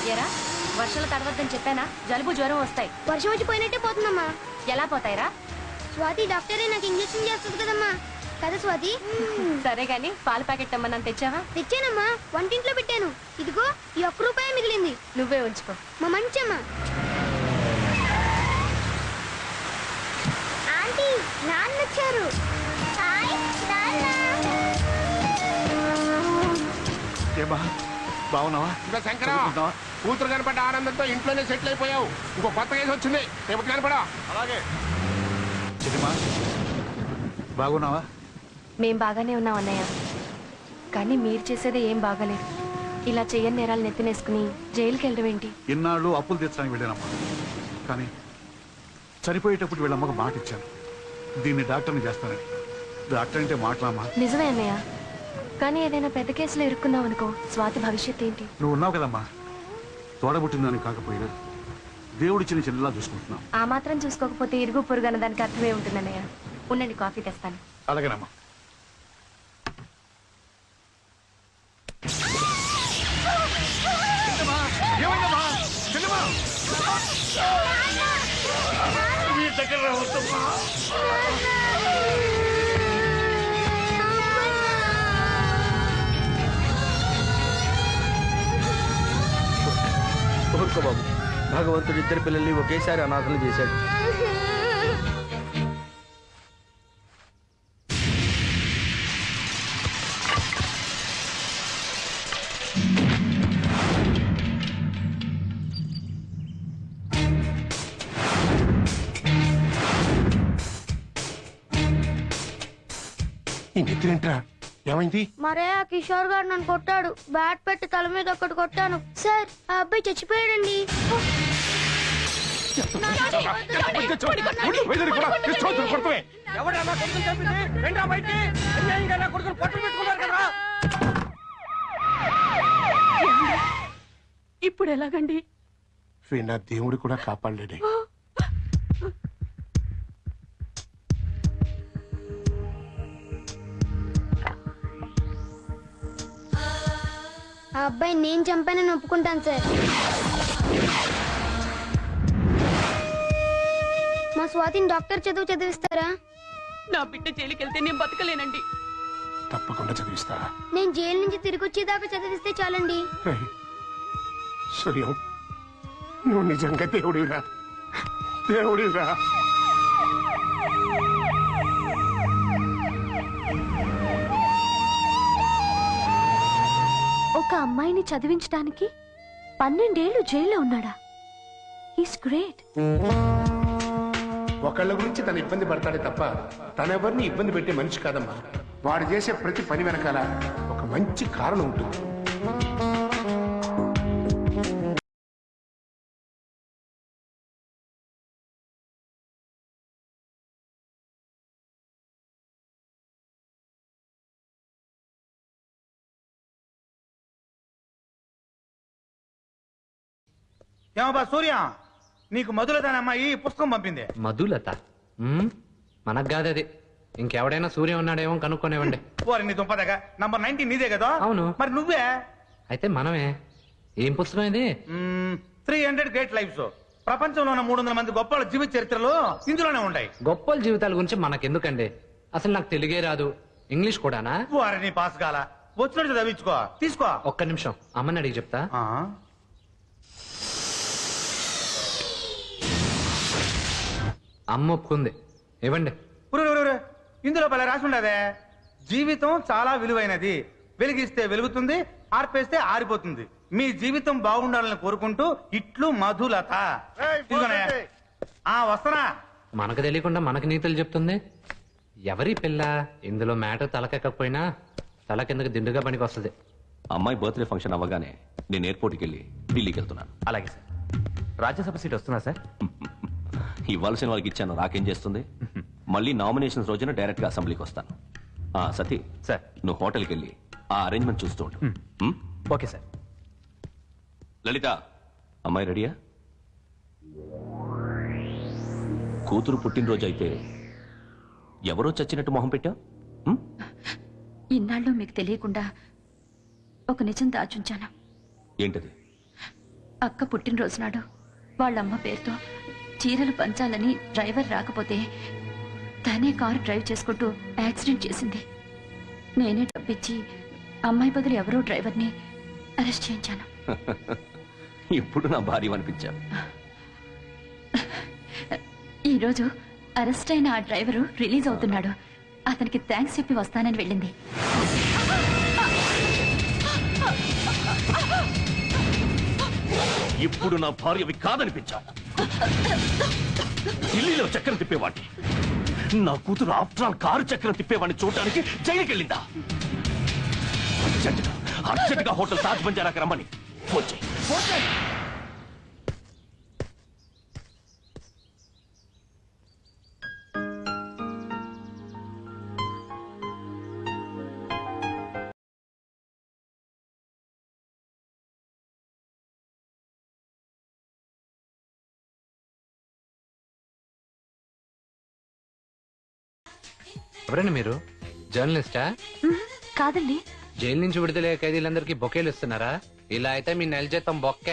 ఎరా వర్షాలు తడవద్దని చెప్పానా? జలుబు జ్వరం వస్తాయి. వర్షం వచ్చి పోయినట్టే పోతుందమ్మా. ఎలా పోతాయిరా? స్వాతి డాక్టరే నాకు ఇంజెక్షన్ చేస్తుంది కదమ్మా. కదా స్వాతి? సరే గాని పాల ప్యాకెట్ అమ్మని తెచ్చావా? తెచ్చానమ్మా, వంటింట్లో పెట్టాను. ఇదిగో ఈ ₹1 మిగిలింది. నువ్వే ఉంచుకో. మా మంచమ్మ. ఆంటీ నాన్న వచ్చారు. బాగున్నావా? ఇంకా శంకర కూతురు కనపడ్డ ఆనందంతో ఇంట్లోనే సెటిల్ అయిపోయావు. ఇంకో కొత్త కేసు వచ్చింది, రేపు కనపడా. అలాగే చిన్నమ్మా, బాగున్నావా? మేం బాగానే ఉన్నాం అన్నయ్య, కానీ మీరు చేసేదే ఏం బాగాలేదు. ఇలా చెయ్యని నేరాలు నెత్తినేసుకుని జైలుకి వెళ్ళడం ఏంటి? ఇన్నాళ్ళు అప్పులు తెచ్చడానికి వెళ్ళానమ్మా, కానీ చనిపోయేటప్పుడు వీళ్ళమ్మకు మాట ఇచ్చాను, దీన్ని డాక్టర్ని చేస్తానని. డాక్టర్ అంటే మాట్లాడమ్మా. నిజమే అన్నయ్య, కానీ ఏదైనా పెద్ద కేసులో ఇరుక్కున్నావు అనుకో, స్వాతి భవిష్యత్ ఏంటి? నువ్వు ఉన్నావు కదమ్మా, తోడబుట్టిందని కాకపోయినా దేవుడిచ్చిన చెల్లెలా చూసుకుంటున్నావు. ఆ మాత్రం చూసుకోకపోతే ఇరుగు పొరుగు అన్న దానికి అర్థమే ఉంటుంది అన్నయ్య. ఉండండి, కాఫీ తెస్తాను. అలాగేనమ్మా. ఊరుకో బాబు, భగవంతుడు ఇద్దరు పిల్లల్ని ఒకేసారి అనాథలు చేశాడు. ఈ నెత్తినేంట్రా? ఏమైంది? మరే ఆ కిషోర్ గారు నన్ను కొట్టాడు. బ్యాట్ పెట్టి తల మీద ఒకటి కొట్టాను. సార్, ఆ అబ్బాయి చచ్చిపోయాడండి. ఇప్పుడు ఎలాగండి? వీణ దేవుడు కూడా కాపాడలేడే. ఆ అబ్బాయి నేను చంపానని ఒప్పుకుంటాను సార్. మా స్వాతిని డాక్టర్ చదివిస్తారా? నా బిడ్డ జైలుకి వెళ్తే నేను బతకలేనండి. తప్పకుండా చదివిస్తా. నేను జైలు నుంచి తిరిగి వచ్చేదాకా చదివిస్తే చాలండి. సూర్యం, నువ్వు నిజంగా దేవుడిరా, దేవుడిరా. ఒక అమ్మాయిని చదివించడానికి 12 ఏళ్లు జైల్లో ఉన్నాడా? He's great. ఒకళ్ళ గురించి తను ఇబ్బంది పడతాడే తప్ప తనెవరిని ఇబ్బంది పెట్టే మనిషి కాదమ్మా. వాడు చేసే ప్రతి పని వెనకాల ఒక మంచి కారణం ఉంటుంది. ఏమబ్బా సూర్య, నీకు మధులతనమ్మా ఈ పుస్తకం పంపింది. మధులత? మనకు కాదు అది, ఇంకెవడైనా సూర్య ఉన్నాడేమో కనుక్కొనేవండి. ఓరి నీ దుంపదగా, నంబర్ 19 నీదే కదా? అవును. మరి నువ్వే? అయితే మనమే. ఏం పుస్తకం ఇది? 300 గ్రేట్ లైఫ్స్. ప్రపంచంలో ఉన్న 300 మంది గొప్ప జీవిత చరిత్రలు ఇందులోనే ఉంటాయి. గొప్పల జీవితాల గురించి మనకెందుకండి? అసలు నాకు తెలుగే రాదు, ఇంగ్లీష్ కూడానా? ఓరి నీ పాస్ కాల, వచ్చినట్టు చదివించుకో. తీసుకో. ఒక్క నిమిషం, అమ్మని అడిగి చెప్తా. అమ్మ ఒప్పుకుంది, ఇవ్వండి. ఇందులో భలే రాసి ఉండదే, జీవితం చాలా విలువైనది, వెలిగిస్తే వెలుగుతుంది, ఆర్పేస్తే ఆరిపోతుంది. మీ జీవితం బాగుండాలని కోరుకుంటూ ఇట్లు మధులత. వస్తనా? మనకు తెలియకుండా మనకి నీతులు చెప్తుంది. ఎవరి పిల్ల? ఇందులో మ్యాటర్ తలకెక్కకపోయినా తల కిందకి దిండుగా పనికి వస్తుంది. అమ్మాయి బర్త్డే ఫంక్షన్ అవ్వగానే నేను ఎయిర్పోర్ట్కి వెళ్ళి ఢిల్లీకి వెళ్తున్నాను. అలాగే సార్. రాజ్యసభ సీట్ వస్తుందా సార్? ఇవ్వాల్సిన వాళ్ళకి ఇచ్చాను, నాకేం చేస్తుంది? మళ్ళీ నామినేషన్స్ రోజున డైరెక్ట్ గా అసెంబ్లీకి వస్తాను. సతీ సార్, నువ్వు హోటల్కి వెళ్ళి ఆ అరేంజ్మెంట్ చూస్తూ ఉంటు. Okay sir. లలిత, అమ్మాయి రెడీయా? కూతురు పుట్టినరోజు అయితే ఎవరో చచ్చినట్టు మొహం పెట్టా? ఇన్నాళ్ళు మీకు తెలియకుండా ఒక నిజం దాచుంచాను. ఏంటది? అక్క పుట్టినరోజు నాడు వాళ్ళమ్మ పేరుతో చీరలు పంచాలని డ్రైవర్ రాకపోతే తనే కారు డ్రైవ్ చేసుకుంటూ యాక్సిడెంట్ చేసింది. నేనే డబ్బిచ్చి అమ్మాయి బదులు ఎవరో డ్రైవర్ని అరెస్ట్ చేయించాను. ఇప్పుడు నా భార్య అనిపించాను. ఈరోజు అరెస్ట్ అయిన ఆ డ్రైవరు రిలీజ్ అవుతున్నాడు. అతనికి థ్యాంక్స్ చెప్పి వస్తానని వెళ్ళింది. ఇప్పుడు నా భార్యవి కాదనిపించావు. ఢిల్లీలో చక్రం తిప్పేవాడిని, నా కూతురు ఆఫ్టర్ ఆల్ కారు చక్రం తిప్పేవాడిని చూడడానికి జైలుకి వెళ్ళిందా? అర్జెంటుగా హోటల్ తాజ్ బంజారాకి రమ్మని ఫోన్ చేయి. ఎవరండి మీరు? జర్నలిస్టా? కాదండి. జైలు నుంచి విడుదలయ్యే ఖైదీలందరికీ బొకేలు ఇస్తున్నారా? ఇలా అయితే మీ నెల జీతం బొక్కే.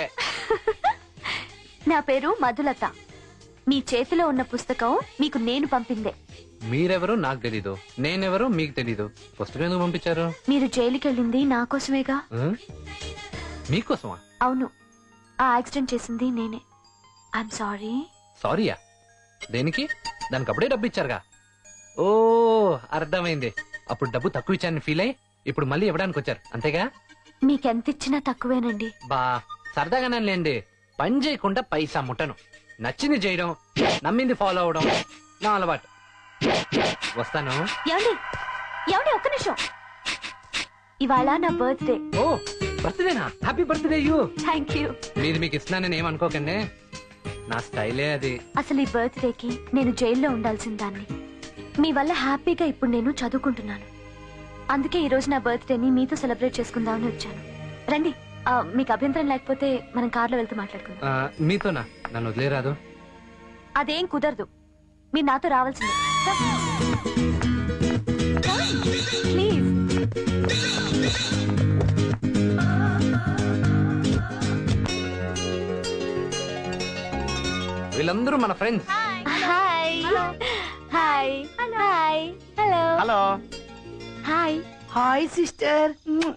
నా పేరు మధులత. మీ చేతిలో ఉన్న పుస్తకం మీకు నేను పంపిందే. మీరెవరో నాకు తెలీదు, నేనెవరో మీకు తెలీదు. పుస్తకం ఎందుకు పంపించారు? మీరు జైలుకి వెళ్ళింది నా కోసమేగా. మీకోసమా? అవును, ఆ యాక్సిడెంట్ చేసింది నేనే. I'm sorry. సారీయా? దేనికి? దానికి అప్పుడే డబ్బు ఇచ్చారుగా. ఓ అర్థమైంది. అప్పుడు డబ్బు తక్కువ ఇచ్చానని ఫీల్ అయ్యి ఇప్పుడు మళ్ళీ ఇవ్వడానికి వచ్చారు, అంతేగా? మీకెంత ఇచ్చినా తక్కువేనండి. బా సరదాగానే లేండి. పని చేయకుండా పైసా ముట్టను. నచ్చింది చేయడం, నమ్మింది ఫాలో అవడం నా అలవాటు. వస్తాను. ఏమండి ఏమండి, ఒక్క నిమిషం. ఇవాళ నా బర్త్డే. ఓ బర్త్డేనా? Happy birthday you. Thank you. మీది మీకు ఇస్తున్నానని ఏమనుకోకండి, నా స్టైలే అది. అసలు ఈ బర్త్డేకి నేను జైల్లో ఉండాల్సిన దాన్ని. మీ వల్ల హ్యాపీగా ఇప్పుడు నేను చదువుకుంటున్నాను. అందుకే ఈ రోజు నా బర్త్డేని మీతో సెలబ్రేట్ చేసుకుందామని వచ్చాను. రండి, మీకు అభ్యంతరం లేకపోతే మనం కార్లో వెళ్తూ మాట్లాడుకుందాం. మీతోనా? నన్ను వదిలేరాదు. అదేం కుదరదు, మీరు నాతో రావాల్సిందే. ప్లీజ్. వీళ్ళందరూ మన friends. Hi hi hi. Hello hello. Hi. Hi sister.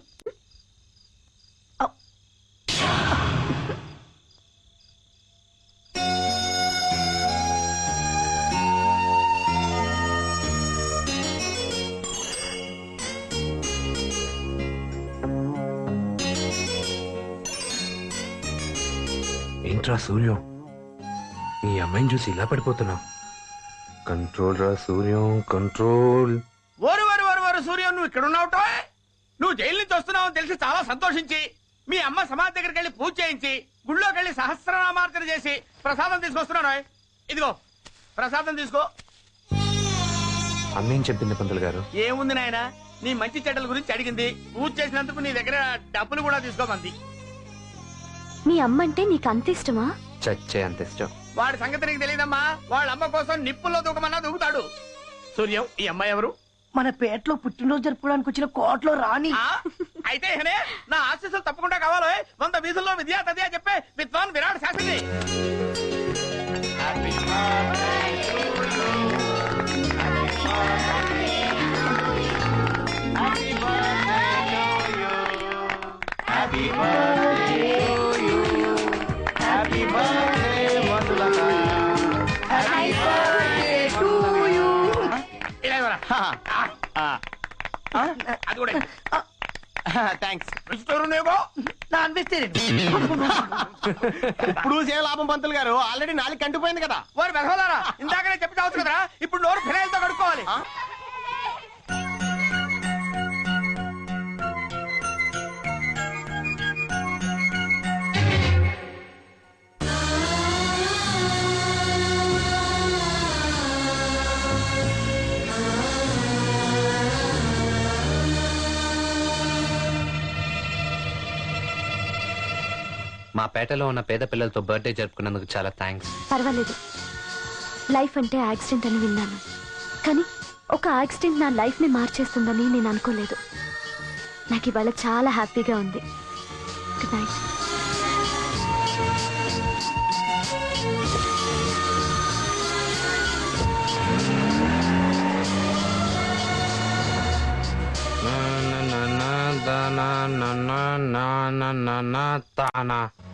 ఏంట్రా సూర్యం, ఈ అమ్మాయిని చూసి ఇలా పడిపోతున్నావు? కంట్రోల్ రా సూర్యం, కంట్రోల్. ఓరు ఓరు ఓరు ఓరు సూర్యం, నువ్వు ఇక్కడ ఉన్నావుటో? నువ్వు జైలు నుంచి వస్తున్నావు తెలిసి చాలా సంతోషించి మీ అమ్మ సమాధి దగ్గరికి వెళ్ళి పూజ చేయించి గుళ్ళోకి వెళ్ళి సహస్రనామార్చన చేసి ప్రసాదం తీసుకొస్తున్నాను. ఇదిగో ప్రసాదం తీసుకో. అమ్మేం చెప్పింది పంతులు గారు? ఏముంది నాయన, నీ మంచి చెడ్డల గురించి అడిగింది. పూజ చేసినందుకు నీ దగ్గర డబ్బులు కూడా తీసుకోమంది. మీ అమ్మ అంటే నీకు అంత ఇష్టమా? చచ్చే అంత ఇష్టం. వాడి సంగతి నీకు తెలియదమ్మా. వాళ్ళ అమ్మ కోసం నిప్పుల్లో దూకమన్నా దూకుతాడు. సూర్యం, ఈ అమ్మాయి ఎవరు? మన పేటలో పుట్టినరోజు జరుపుకోవడానికి వచ్చిన కోట్లో రాని. అయితే నా ఆశీస్సులు తప్పకుండా కావాలి. 100 వీధుల్లో విద్యా తదియా చెప్పే విద్వాన్ విరాట్ శాస్త్రి. అది కూడా థ్యాంక్స్. Non vegetarian. ఇప్పుడు సేవ లాభం పంతులు గారు, ఆల్రెడీ 4 కంటిపోయింది కదా. వారు బెదవలారా, ఇందాకనే చెప్పి చావచ్చు కదా. ఇప్పుడు నోరు ఫినాయిల్తో కడుక్కోవాలి. మా పేటలో ఉన్న పేద పిల్లలతో బర్త్డే జరుపుకున్నందుకు చాలా థ్యాంక్స్. పర్వాలేదు. లైఫ్ అంటే యాక్సిడెంట్ అని విన్నాను, కానీ ఒక యాక్సిడెంట్ నా లైఫ్ ని మార్చేస్తుందని నేను అనుకోలేదు. నాకు ఇవాళ చాలా హ్యాపీగా ఉంది. Good night. తానా